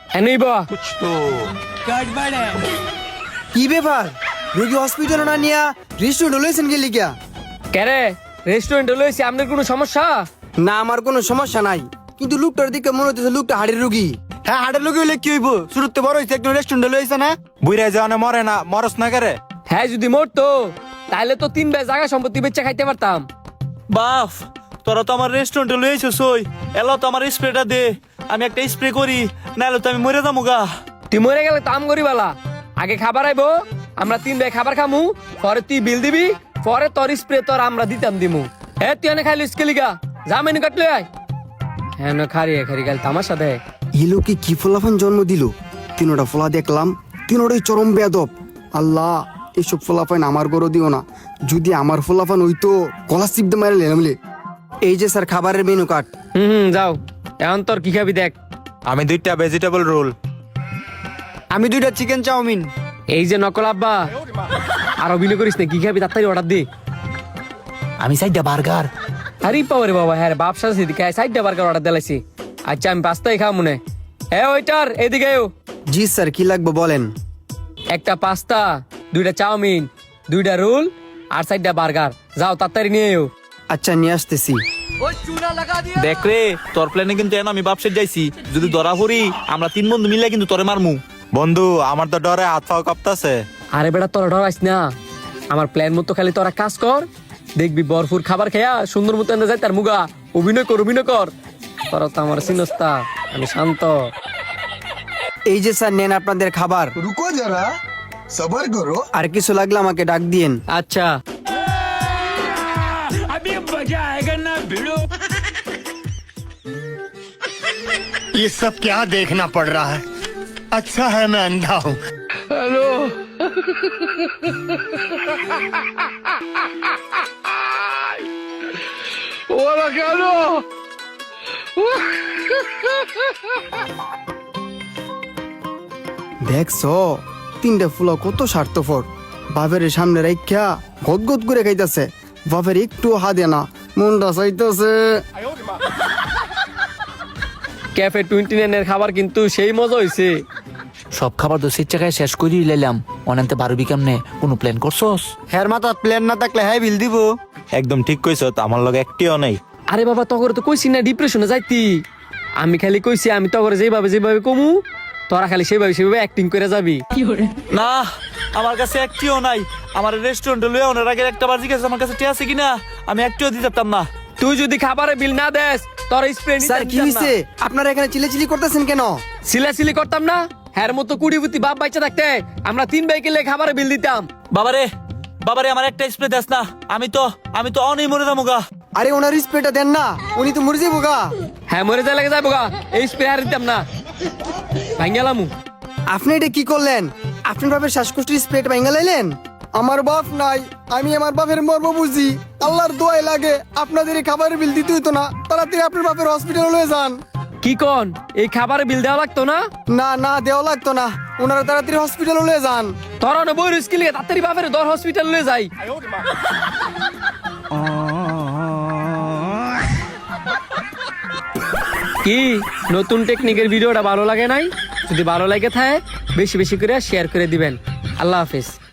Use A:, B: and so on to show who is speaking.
A: এনেই বা
B: কি ব্যাপার রোগী হসপিটাল না নিয়া রেস্টুরেন্ট লইছেন গেলি কিয়া?
A: কেরে রেস্টুরেন্টে লইছি আপনার কোনো সমস্যা?
B: না আমার কোনো সমস্যা নাই, কিন্তু লোকটার দিকে মনে হচ্ছে লোকটা হাড়ের রোগী। হ্যাঁ হাড়ের রোগী হইলে কি হইব? শুরুতে বড় হইছে একটা রেস্টুরেন্টে লইছে না?
C: বুইরা যাওয়ানে মরে না, মরস না করে।
A: হ্যাঁ যদি মরতো তাহলে তো 3 বে জায়গা সম্পত্তি বেচে খাইতে পারতাম।
D: বাফ, তোরা তো আমার রেস্টুরেন্টে লইছিস ওই এলো তো আমার স্প্রেটা দে, আমি একটা স্প্রে করি, নাহলে তো আমি মরে যাবো গা।
A: তুই মরে গেলে তো আম গরিবালা, আগে খাবার আইবো, আমরা 3 বে খাবার খামু, পরে তুই বিল দিবি, পরে তোর স্প্রে তোর আমরা দিতাম দিমু। হ্যাঁ তুই এনে খাইলিস কেলিগা, যা মেনু কাটলে আয়। হ্যাঁ না খারিয়ে খারি গেল তামার সাথে।
B: এই লোকে কি ফলাফান জন্ম দিল? তিনোটা ফলা দেখলাম, তিনোটাই চরম বেয়াদব। আল্লাহ এইসব ফলাফান আমার গরো দিও না, যদি আমার ফলাফান হইতো গলা চিপতে মারে লেনামলে। এই যে স্যার খাবারের মেনু কার্ড।
A: যাও এখন তোর কি খাবি দেখ।
C: আমি 2টা ভেজিটেবল রোল।
B: আমি 2টা চিকেন চাউমিন।
A: এই যে নকল আব্বা, আর অভিনয় করিস না, কি খাবি তাড়াতাড়ি অর্ডার দে।
D: আমি চাইটা বার্গার।
A: আরে পাওয়ারে বাবা, হ্যাঁ বাপ সাথে দিকে সাইডটা বার্গার অর্ডার দিলাইছি। আচ্ছা আমি পাস্তাই খাও মনে। হ্যাঁ ওইটার এদিকে আয়ো।
B: জি স্যার কি লাগবে বলেন।
A: একটা পাস্তা, 2টা চাউমিন, 2টা রোল আর 4টা বার্গার। যাও তাড়াতাড়ি নিয়ে এও।
B: আচ্ছা নিয়ে আসতেছি।
D: দেখ রে, তোর প্ল্যানে কিন্তু এন আমি বাপসের যাইছি, যদি ধরা পড়ি আমরা 3 বন্ধু মিলে কিন্তু তোরে মারমু।
C: বন্ধু আমার তো ডরে হাত পাও কাঁপতাছে।
A: আরে বেটা তোরা ডরাইস না, আমার প্ল্যান মতো খালি তোরা কাজ কর, দেখবি ভরপুর খাবার খেয়া সুন্দর মতো এনে যায় তার মুগা। অভিনয় কর অভিনয় কর, তোরা তো আমার সিনস্তা, আমি শান্ত।
B: এই যে স্যার নেন আপনাদের খাবার।
E: रुको जरा सबर करो।
B: আর কিছু লাগলে আমাকে ডাক দিয়েন।
A: আচ্ছা
F: ये सब क्या देखना पड़ रहा है? अच्छा है मैं अंधा हूँ।
B: দেখছো 3টা ফুলা কত স্বার্থপর, বাপের সামনে রাইখা গদগদ করে খাইতেছে, বাপের একটু হাতে না, মনটা চাইতেছে।
A: ক্যাফে 29 এর খাবার কিন্তু সেই মজা হইছে।
D: সব খাবার তো স্বেচ্ছায় শেষ করে লাইলাম, অনেকটা বারবি কেমনে, কোনো প্ল্যান করছস?
B: হ্যার মাথা প্ল্যান না থাকলে হ্যাঁ বিল দিব।
C: একদম ঠিক কইছ, আমার লগে একটিও নাই।
A: আরে বাবা তগরে তো কইছি না ডিপ্রেশনে যাইতি, আমি খালি কইছি আমি তগরে যেভাবে কমু, তোরা খালি সেভাবে অ্যাক্টিং করে যাবি।
D: না, আমার কাছে একটিও নাই। আমার রেস্টুরেন্টে লয়ে ওনার আগে একটা বাজি গেছে, আমার কাছে টিয়া আছে কিনা আমি একটিও দিতে পারতাম না।
A: তুই যদি খাবারে বিল না দেস তোর স্প্রে
B: স্যার কি হইছে? আপনারা এখানে চিল্লাচিল্লি করতেছেন কেন?
A: সিলাসিলি করতাম না, হ্যার মতো কুড়িপুতি বাপ বাচ্চা থাকতে আমরা 3 ভাই গেলে খাবারে বিল দিতাম।
D: বাবারে বাবারে, আমার একটা স্প্রে দেস না, আমি তো অনেক মরে যাবো গা।
B: আরে ওনার স্প্রেটা দেন না, উনি তো মরে যাবো গা।
A: হ্যাঁ মরে যা লাগে যাবো গা, এই স্প্রে আর দিতাম না, ভাঙ্গেলামু।
B: আপনি এটা কি করলেন? আপনার বাপের শ্বাসকষ্টের স্প্রেটা ভেঙে লাইলেন। আমার বাপ নাই, আমি আমার বাপের মর্ম বুঝি। আল্লাহর দোয়াই লাগে আপনাদের এই খাবারের বিল দিতে হইতো না, তাড়াতাড়ি আপনার বাপের হসপিটালে লয়ে যান।
A: কি কন, এই খাবারে বিল দেওয়া লাগতো না?
B: না না দেওয়া লাগতো না, ওনারা তাড়াতাড়ি হসপিটালে লয়ে যান।
A: তোর অনেক বই রিস্কি লিয়ে তাড়াতাড়ি বাপের দর হসপিটাল লয়ে যাই। কি নতুন টেকনিকের ভিডিওটা ভালো লাগে নাই? যদি ভালো লাগে থাকে বেশি বেশি করে শেয়ার করে দিবেন। আল্লাহ হাফেজ।